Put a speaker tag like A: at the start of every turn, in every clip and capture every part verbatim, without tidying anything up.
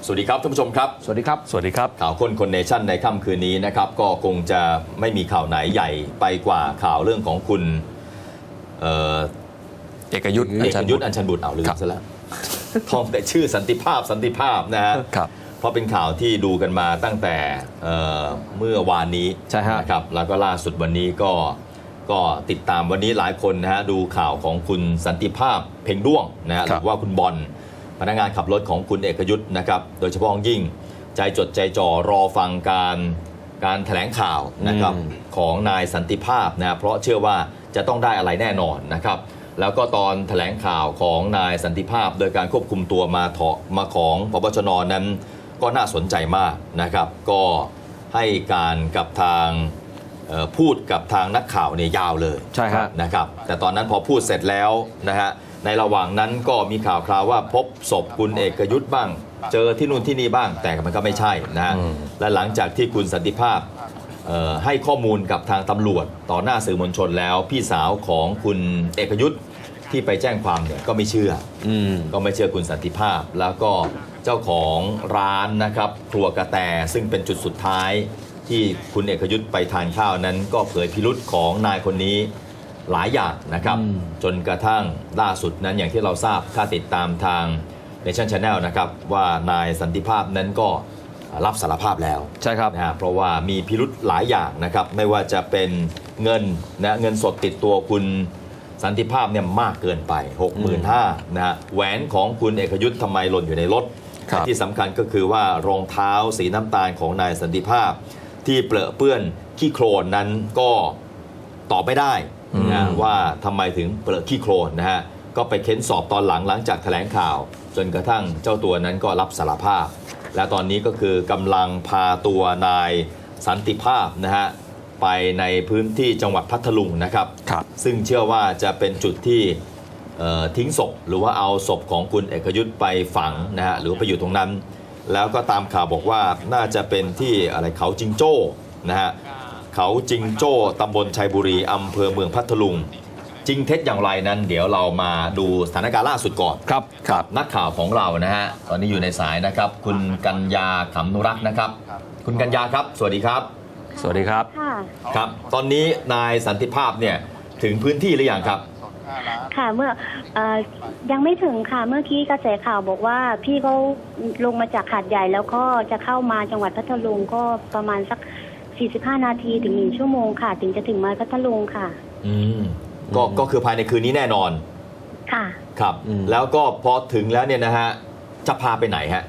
A: สวัสดีครับท่านผู้ชมครับ
B: สวัสดีครับ
C: สวัสดีครับ
A: ข่าวค้นคนเนชั่นในค่ำคืนนี้นะครับก็คงจะไม่มีข่าวไหนใหญ่ไปกว่าข่าวเรื่องของคุณเอ่อ
C: เอกยุทธ์
A: เอกยุทธ์อัญชันบุตรเอาลืมซะแล้วท่องแต่ชื่อสันติภาพสันติภาพนะฮะเพราะเป็นข่าวที่ดูกันมาตั้งแต่เเมื่อวานนี้นะครับแล้วก็ล่าสุดวันนี้ก็ก็ติดตามวันนี้หลายคนนะฮะดูข่าวของคุณสันติภาพเพ่งด้วงนะฮะหรือว่าคุณบอลพนักงานขับรถของคุณเอกยุทธ์นะครับโดยเฉพาะยิ่งใจจดใจจ่อรอฟังการการแถลงข่าวนะครับของนายสันติภาพนะเพราะเชื่อว่าจะต้องได้อะไรแน่นอนนะครับแล้วก็ตอนแถลงข่าวของนายสันติภาพโดยการควบคุมตัวมาเถาะมาของพบชน.นั้นก็น่าสนใจมากนะครับก็ให้การกับทางพูดกับทางนักข่าวเนี่ยยาวเลย
B: ใช่ครับ
A: นะครับแต่ตอนนั้นพอพูดเสร็จแล้วนะฮะในระหว่างนั้นก็มีข่าวคราวว่าพบศพคุณเอกยุทธ์บ้างเจอที่นู่นที่นี่บ้างแต่มันก็ไม่ใช่นะฮะและหลังจากที่คุณสันติภาพให้ข้อมูลกับทางตำรวจต่อหน้าสื่อมวลชนแล้วพี่สาวของคุณเอกยุทธ์ที่ไปแจ้งความเนี่ยก็ไม่เชื่อก็ไม่เชื่อคุณสันติภาพแล้วก็เจ้าของร้านนะครับครัวกระแตซึ่งเป็นจุดสุดท้ายที่คุณเอกยุทธ์ไปทานข้าวนั้นก็เผยพิรุธของนายคนนี้หลายอย่างนะครับจนกระทั่งล่าสุดนั้นอย่างที่เราทราบถ้าติดตามทาง Nation Channel นะครับว่านายสันติภาพนั้นก็รับสารภาพแล้ว
B: ใช่ครับ
A: นะฮะเพราะว่ามีพิรุธหลายอย่างนะครับไม่ว่าจะเป็นเงินนะเงินสดติดตัวคุณสันติภาพเนี่ยมากเกินไป หกหมื่นห้าพัน นะฮะแหวนของคุณเอกยุทธ์ทำไมหล่นอยู่ในรถที่สำคัญก็คือว่ารองเท้าสีน้ำตาลของนายสันติภาพที่เปรอะเปื้อนขี้โคลนนั้นก็ตอบไม่ได้นะว่าทำไมถึงเปรอะขี้โคลนนะฮะก็ไปเค้นสอบตอนหลังหลังจากแถลงข่าวจนกระทั่งเจ้าตัวนั้นก็รับสารภาพและตอนนี้ก็คือกำลังพาตัวนายสันติภาพนะฮะไปในพื้นที่จังหวัดพัทลุงนะครับซึ่งเชื่อว่าจะเป็นจุดที่ทิ้งศพหรือว่าเอาศพของคุณเอกยุทธ์ไปฝังนะฮะหรือไปอยู่ตรงนั้นแล้วก็ตามข่าวบอกว่าน่าจะเป็นที่อะไรเขาจิงโจ้นะฮะเขาจิงโจ้ตำบลชัยบุรีอำเภอเมืองพัทลุงจริงเท็จอย่างไรนั้นเดี๋ยวเรามาดูสถานการณ์ล่าสุดก่อน
B: ครับ
A: ครับนักข่าวของเรานะฮะตอนนี้อยู่ในสายนะครับคุณกัญญาขำนุรักษ์นะครับคุณกัญญาครับสวัสดีครับ
C: สวัสดีครับ
A: ครับตอนนี้นายสันติภาพเนี่ยถึงพื้นที่หรือยังครับ
D: ค่ะเมื่ออยังไม่ถึงค่ะเมื่อกี้กระแสข่าวบอกว่าพี่เขาลงมาจากหาดใหญ่แล้วก็จะเข้ามาจังหวัดพัทลุงก็ประมาณสักสี่สิบห้านาทีถึงหนึ่งชั่วโมงค่ะถึงจะถึงมาพัทลุงค่ะ
A: อืมก็ก็คือภายในคืนนี้แน่นอน
D: ค่ะ
A: ครับแล้วก็พอถึงแล้วเนี่ยนะฮะจะพาไปไหนฮะ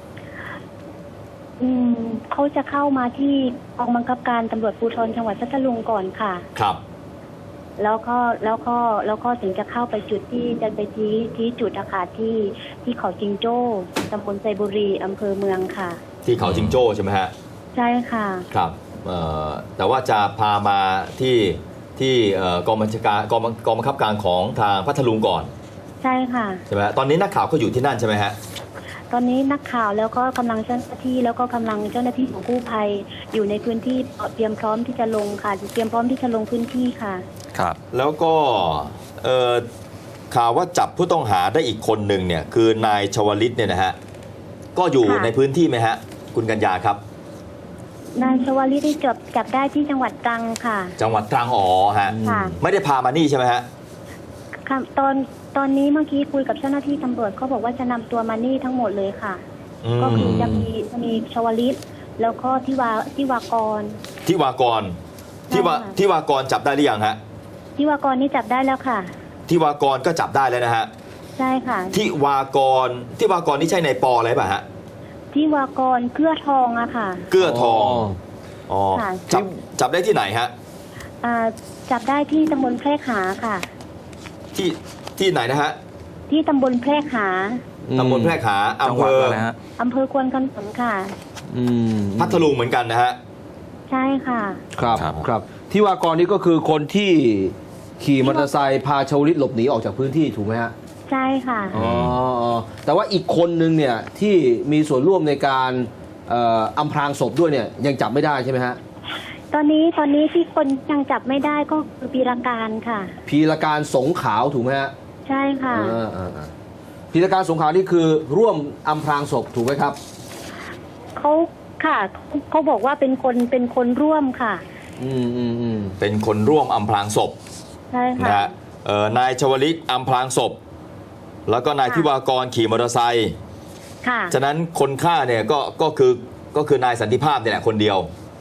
D: อืมเขาจะเข้ามาที่กองบังคับการตำรวจภูธรจังหวัดพัทลุงก่อนค่ะ
A: ครับ
D: แล้วก็แล้วก็แล้วก็ถึงจะเข้าไปจุดที่จะไปที่ที่จุดอาคารที่ที่เขาจิงโจ้ตำบลไซบุรีอำเภอเมืองค่ะ
A: ที่เขาจิงโจ้ใช่ไหมฮะ
D: ใช่ค่ะ
A: ครับแต่ว่าจะพามาที่ที่กองบัญชาการกองกองบังคับการของทางพัทลุงก่อน
D: ใช่ค่ะ
A: ใช่ไหมตอนนี้นักข่าวก็อยู่ที่นั่นใช่ไหมฮะ
D: ตอนนี้นักข่าวแล้วก็กำลังเจ้าหน้าที่แล้วก็กำลังเจ้าหน้าที่ของกู้ภัยอยู่ในพื้นที่เตรียมพร้อมที่จะลงค่ะเตรียมพร้อมที่จะลงพื้นที่ค่ะ
A: ครับแล้วก็ข่าวว่าจับผู้ต้องหาได้อีกคนหนึ่งเนี่ยคือนายชวลิตเนี่ยนะฮะก็อยู่ในพื้นที่ไหมฮะคุณกัญญาครับ
D: นายชวลิตที่จับจับได้ที่จังหวัดตรังค่ะ
A: จังหวัดตรังอ๋อฮะไม่ได้พามานี่ใช่ไหมฮะ
D: ค่ะตอนตอนนี้เมื่อกี้คุยกับเจ้าหน้าที่ตำรวจเขาบอกว่าจะนำตัวมานี่ทั้งหมดเลยค่ะก็คือจะมีจะมีชวลิตแล้วก็ที่วาที่วากร
A: ที่วากรที่วาที่วากรจับได้หรือยังฮะ
D: ที่วากรนี่จับได้แล้วค่ะ
A: ที่วากรก็จับได้แล้วนะฮะ
D: ใช่ค่ะ
A: ที่วากรที่วากรนี่ใช่ในปออะไรป่ะฮะ
D: ที่วากรเกื้อทองอะค่ะ
A: เกื้อทองอ๋อจับจับได้ที่ไหนฮะ
D: อ่าจับได้ที่ตำบลแพรกหาค่ะ
A: ที่ที่ไหนนะฮะ
D: ที่ตำบลแพรกหา
A: ตำบลแพรกหาอำเภอ
D: อำเภอควนขนุนค่ะ
A: พัทลุงเหมือนกันนะฮะ
D: ใช่ค่ะ
B: ครับครับที่วากรนี่ก็คือคนที่ขี่มอเตอร์ไซค์พาชวลิตหลบหนีออกจากพื้นที่ถูกไหมฮะ
D: ใช่ค่ะ
B: อ๋อแต่ว่าอีกคนนึงเนี่ยที่มีส่วนร่วมในการอำพรางศพด้วยเนี่ยยังจับไม่ได้ใช่ไหมฮะ
D: ตอนนี้ตอนนี้ที่คนยังจับไม่ได้ก็คือพีรการค่ะ
B: พีรการสงขาวถูกไหมฮะ
D: ใช่ค่ะ
B: พีรการสงขาวนี่คือร่วมอำพรางศพถูกไหมครับ
D: เขาค่ะเขาเขาบอกว่าเป็นคนเป็นคนร่วมค่ะ
B: อืมอืมอืม
A: เป็นคนร่วมอำพรางศพ
D: ใช่
A: นะ
D: ค่ะ
A: ฮะเอ่อนายชวลิตอำพรางศพ แล้วก็นาย
D: ค่ะ
A: ทิวากรขี่มอเตอร์ไซค์
D: ค่ะ
A: ฉะนั้นคนฆ่าเนี่ยก็ก็คือก็คือนายสันติภาพเนี่ยแหละคนเดียว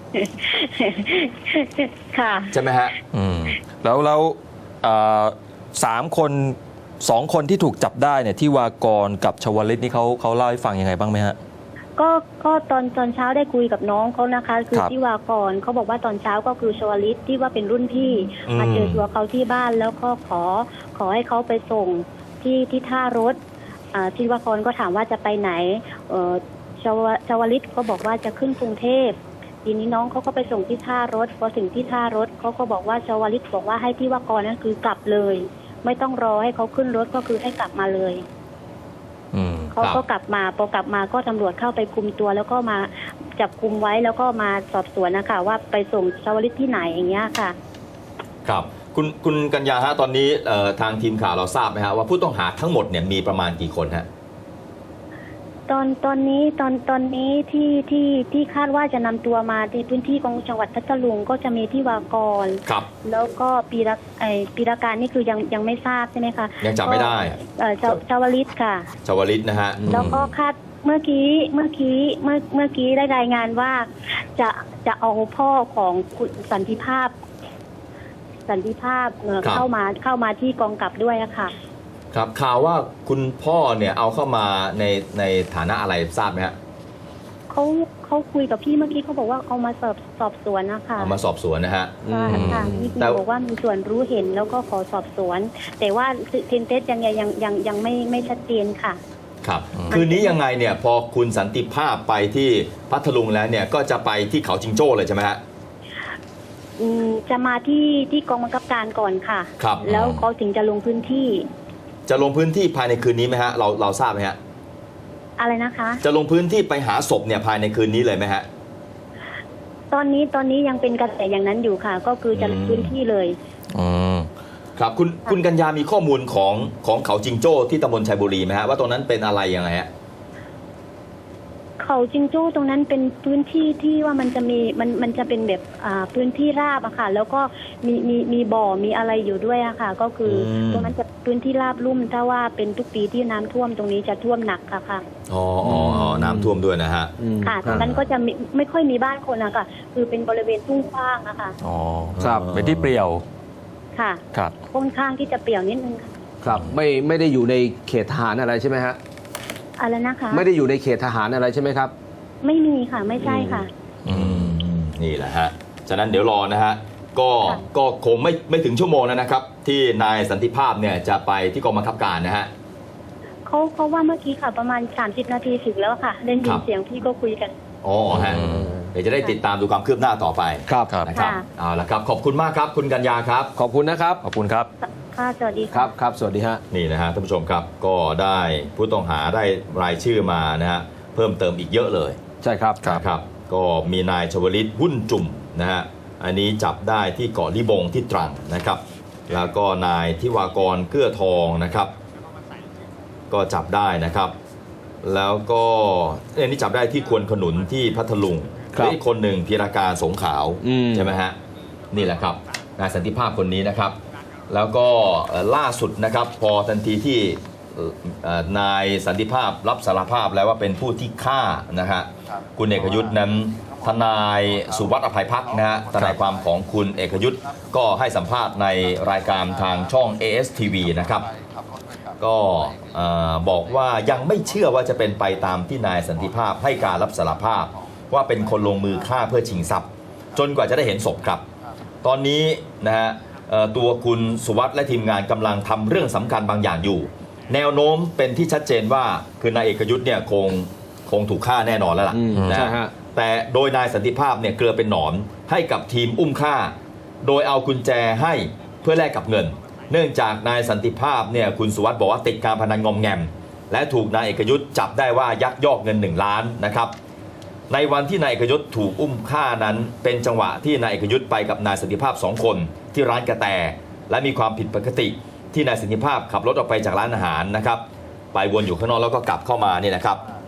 D: ค่ะ
A: ใช่ไหมฮะ
C: อืมแล้วแล้วเอ่อสามคนสองคนที่ถูกจับได้เนี่ยที่วากรกับชวลิตนี่เขาเขาเล่าให้ฟังยังไงบ้างไหมฮะ
D: ก็ก็ตอนตอนเช้าได้คุยกับน้องเขานะคะ คือ
C: ครับ
D: ที่วากรเขาบอกว่าตอนเช้าก็คือชวลิตที่ว่าเป็นรุ่นพี่
A: อืม
D: มาเจอตัวเขาที่บ้านแล้วก็ขอขอให้เขาไปส่งที่ที่ท่ารถอ่าที่วากรก็ถามว่าจะไปไหนเอ่อชวชวลิตก็บอกว่าจะขึ้นกรุงเทพทีนี้น้องเขาก็ไปส่งที่ท่ารถพอถึงที่ท่ารถเขาก็บอกว่าชวลิตบอกว่าให้ที่วากรนั่นคือกลับเลย ไม่ต้องรอให้เขาขึ้นรถก็คือให้กลับมาเลย
C: อืม
D: เขา
A: ครับ
D: ก็กลับมาพอกลับมาก็ตำรวจเข้าไปคุมตัวแล้วก็มาจับคุมไว้แล้วก็มาสอบสวนนะคะว่าไปส่งชาวลิตที่ไหนอย่างเงี้ยค่ะ
A: ครับคุณคุณกัญญาฮะตอนนี้เอ่อทางทีมข่าวเราทราบไหมฮะว่าผู้ต้องหาทั้งหมดเนี่ยมีประมาณกี่คนฮะ
D: ตอนตอนนี้ตอนตอนนี้ที่ที่ที่คาดว่าจะนำตัวมาที่พื้นที่ของจังหวัดพัทลุงก็จะมีที่วากร
A: ครับ
D: แล้วก็ปีละไอปีละการนี่คือยังยังไม่ทราบใช่ไหมคะ
A: ยังจับไม่ได้
D: ก็เอ่อชาวชาวลิตค่ะ
A: ชวลิตนะฮะ
D: แล้วก็คาดเมื่อกี้เมื่อกี้เมื่อเมื่อกี้ได้รายงานว่าจะจะเอาพ่อของคุณสันติภาพ สันติภาพเอ่อ
A: ครับ
D: เข้ามาเข้ามาที่กองกลับด้วยอะค่ะ
A: ครับข่าวว่าคุณพ่อเนี่ยเอาเข้ามาในในฐานะอะไรทราบไหมฮะ
D: เขาเขาคุยกับพี่เมื่อกี้เขาบอกว่าเอามาสอบสอบสวนนะคะ
A: เอามาสอบสวนนะฮะ
D: ใช่ค่ะนี่คือ
A: แต่
D: บอกว่ามีส่วนรู้เห็นแล้วก็ขอสอบสวน แต่ว่าเทนเทสยังไงยังยังยังไม่ไม่ชัดเจนค่ะ
A: ครับคืนนี้ยังไงเนี่ยพอคุณสันติภาพไปที่พัทลุงแล้วเนี่ยก็จะไปที่เขาจิงโจ้เลยใช่ไหมฮะ
D: อืมจะมาที่ที่กองบังคับการก่อนค่ะ
A: ครับ
D: แล้วเขาถึงจะลงพื้นที่
A: จะลงพื้นที่ภายในคืนนี้ไหมฮะเราเราทราบไหมฮะ
D: อะไรนะคะ
A: จะลงพื้นที่ไปหาศพเนี่ยภายในคืนนี้เลยไหมฮะ
D: ตอนนี้ตอนนี้ยังเป็นกระแสอย่างนั้นอยู่ค่ะ ก็คือจะลง
A: อืม
D: พื้นที่เลย
C: อืม
A: ครับคุณคุณกัญญามีข้อมูลของของเขาจิงโจ้ที่ตำบลชัยบุรีไหมฮะว่าตรงนั้นเป็นอะไรยังไงฮะ
D: เขาจิงโจ้ตรงนั้นเป็นพื้นที่ที่ว่ามันจะมีมันมันจะเป็นแบบอ่าพื้นที่ราบอะค่ะ แล้วก็มีมีมีบ่อมีอะไรอยู่ด้วยอะค่ะ ก็คืออ
A: ม
D: ตรงนั้นจะพื้นที่ราบลุ่มถ้าว่าเป็นทุกปีที่น้ำท่วมตรงนี้จะท่วมหนักค่ะค่ะ
A: อ๋ออ๋ออ๋อน้ำท่วมด้วยนะฮะ
B: อืม
D: ค่ะตรงนั้นก็จะไม่ไม่ค่อยมีบ้านคนอะค่ะ คือเป็นบริเวณทุ่งกว้างอะค่ะ
C: อ๋อ
B: ครับ
C: เป็นที่เปลี่ยว
D: ค่ะ
C: ครับ
D: ค่อนข้างที่จะเปรี่ยวนิดนึงค่ะ
B: ครับไม่ไม่ได้อยู่ในเขตทหารอะไรใช่ไหมฮะ
D: อะไรนะคะ
B: ไม่ได้อยู่ในเขตทหารอะไรใช่ไหมครับ
D: ไม่มีค่ะไม่ใช่ค่ะ
C: อืม
A: นี่แหละฮะ ฉะนั้นเดี๋ยวรอนะฮะ ก็
D: ค่ะ
A: ก็คงไม่ไม่ถึงชั่วโมงแล้วนะครับ ที่นายสันติภาพเนี่ยจะไปที่กองบังคับการนะฮะ
D: เขาเขาว่าเมื่อกี้ค่ะ ประมาณสามสิบนาทีถึงแล้วค่ะได้ยิ
A: ครั
D: น
A: บ
D: เสียงพี่ก็คุยกัน
A: อ๋อฮะ
C: อืม
A: เดี๋ยวจะได้ติดตามดูความคืบหน้าต่อไป
B: ครับ
C: ครับ
A: นะครับ
D: ค่ะ
A: เอาละครับ ขอบคุณมากครับ คุณกัญญาครับ
B: ขอบคุณนะครับ
C: ขอบคุณครับ
D: ค่ะสวัสดี
B: ค
D: ค่ะ
B: รับครับสวัสดีฮะ
A: นี่นะฮะท่านผู้ชมครับ ก็ได้ผู้ต้องหาได้รายชื่อมานะฮะ เพิ่มเติมอีกเยอะเลย
B: ใช่ครับ
A: นะครับ ก็มีนายชวลิตหุ้นจุ่มนะฮะ อันนี้จับได้ที่เกาะลิบงที่ตรังนะครับ แล้วก็นายทิวากรเกื้อทองนะครับ ก็จับได้นะครับ แล้วก็อันนี้จับได้ที่ควนขนุนที่พัทลุง
B: ครับ
A: และอีกคนหนึ่งพีรการสงขาว
B: อืม
A: ใช่ไหมฮะ นี่แหละครับนายสันติภาพคนนี้นะครับ แล้วก็เอ่อล่าสุดนะครับ พอทันทีที่เอ่อเอ่อนายสันติภาพรับสารภาพแล้วว่าเป็นผู้ที่ฆ่านะฮะคุณเอกยุทธ์นั้นทนายสุวัสดิ์อภัยพักษ์นะฮะทนายความของคุณเอกยุทธ์ก็ให้สัมภาษณ์ในรายการทางช่อง เอ เอส ที วี นะครับ ก็เอ่อบอกว่ายังไม่เชื่อว่าจะเป็นไปตามที่นายสันติภาพให้การรับสารภาพ ว่าเป็นคนลงมือฆ่าเพื่อชิงทรัพย์ จนกว่าจะได้เห็นศพครับ ตอนนี้นะฮะเอ่อตัวคุณสุวัสด์และทีมงานกำลังทำเรื่องสำคัญบางอย่างอยู่ แนวโน้มเป็นที่ชัดเจนว่าคือนายเอกยุทธ์เนี่ยคงคงถูกฆ่าแน่นอนแล้วล่ะ
B: อืม
A: นะ
B: ใช่ฮะ
A: แต่โดยนายสันติภาพเนี่ยเกลือเป็นหนอนให้กับทีมอุ้มฆ่า โดยเอากุญแจให้เพื่อแลกกับเงิน เนื่องจากนายสันติภาพเนี่ยคุณสุวัสด์บอกว่าติดการพนันงอมแงม และถูกนายเอกยุทธ์จับได้ว่ายักยอกเงินหนึ่งล้านนะครับ ในวันที่นายเอกยุทธ์ถูกอุ้มฆ่านั้น เป็นจังหวะที่นายเอกยุทธ์ไปกับนายสันติภาพสองคนที่ร้านกระแต และมีความผิดปกติที่นายสันติภาพขับรถออกไปจากร้านอาหารนะครับ ไปวนอยู่ข้างนอกแล้วก็กลับเข้ามานี่นะครับ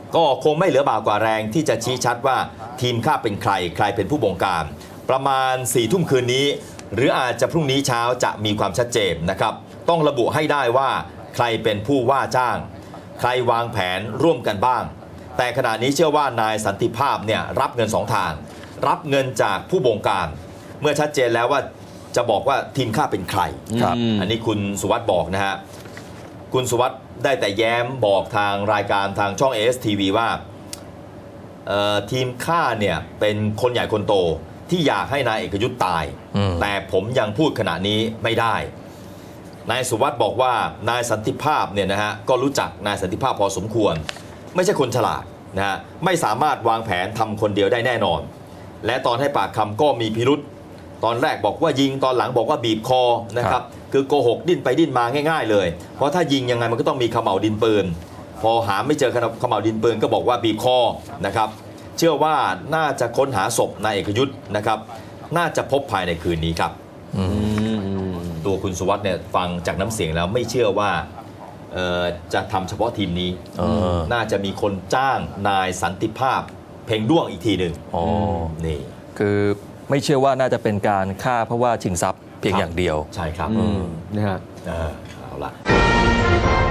A: ก็คงไม่เหลือบากกว่าแรงที่จะชี้ชัดว่าทีมฆ่าเป็นใครใครเป็นผู้บงการประมาณสี่ทุ่มคืนนี้หรืออาจจะพรุ่งนี้เช้าจะมีความชัดเจนนะครับต้องระบุให้ได้ว่าใครเป็นผู้ว่าจ้างใครวางแผนร่วมกันบ้างแต่ขณะนี้เชื่อว่านายสันติภาพเนี่ยรับเงินสองทางรับเงินจากผู้บงการเมื่อชัดเจนแล้วว่าจะบอกว่าทีมฆ่าเป็นใคร
C: ครับ
A: อันนี้คุณสุวัสด์บอกนะฮะคุณสุวัสด์ได้แต่แย้มบอกทางรายการทางช่อง เอ เอส ที วี ว่าทีมฆ่าเนี่ยเป็นคนใหญ่คนโตที่อยากให้นายเอกยุทธ์ตาย
C: อืม
A: แต่ผมยังพูดขณะนี้ไม่ได้นายสุวัสด์บอกว่านายสันติภาพเนี่ยนะฮะก็รู้จักนายสันติภาพพอสมควรไม่ใช่คนฉลาดนะฮะไม่สามารถวางแผนทำคนเดียวได้แน่นอนและตอนให้ปากคำก็มีพิรุษตอนแรกบอกว่ายิงตอนหลังบอกว่าบีบคอนะครับคือโกหกดิ้นไปดิ้นมาง่ายๆเลยเพราะถ้ายิงยังไงมันก็ต้องมีเขม่าวดินปืนพอหาไม่เจอเขม่าวดินปืนก็บอกว่าบีบคอนะครับเชื่อว่าน่าจะค้นหาศพนายเอกยุทธ์นะครับน่าจะพบภายในคืนนี้ครับ
C: อืม
B: อืมอืม
A: ตัวคุณสุวัสด์เนี่ยฟังจากน้ำเสียงแล้วไม่เชื่อว่าเอ่อจะทำเฉพาะทีมนี้
C: เออ
A: น่าจะมีคนจ้างนายสันติภาพเพ่งด้วงอีกทีหนึ่ง
C: อ๋อ
A: นี่
C: คือไม่เชื่อว่าน่าจะเป็นการฆ่าเพราะว่าชิงทรัพย์เพียง
A: ครับ
C: อย่างเดียว
A: ใช่ครับ
B: อืมนะฮะ
A: เออเอาละ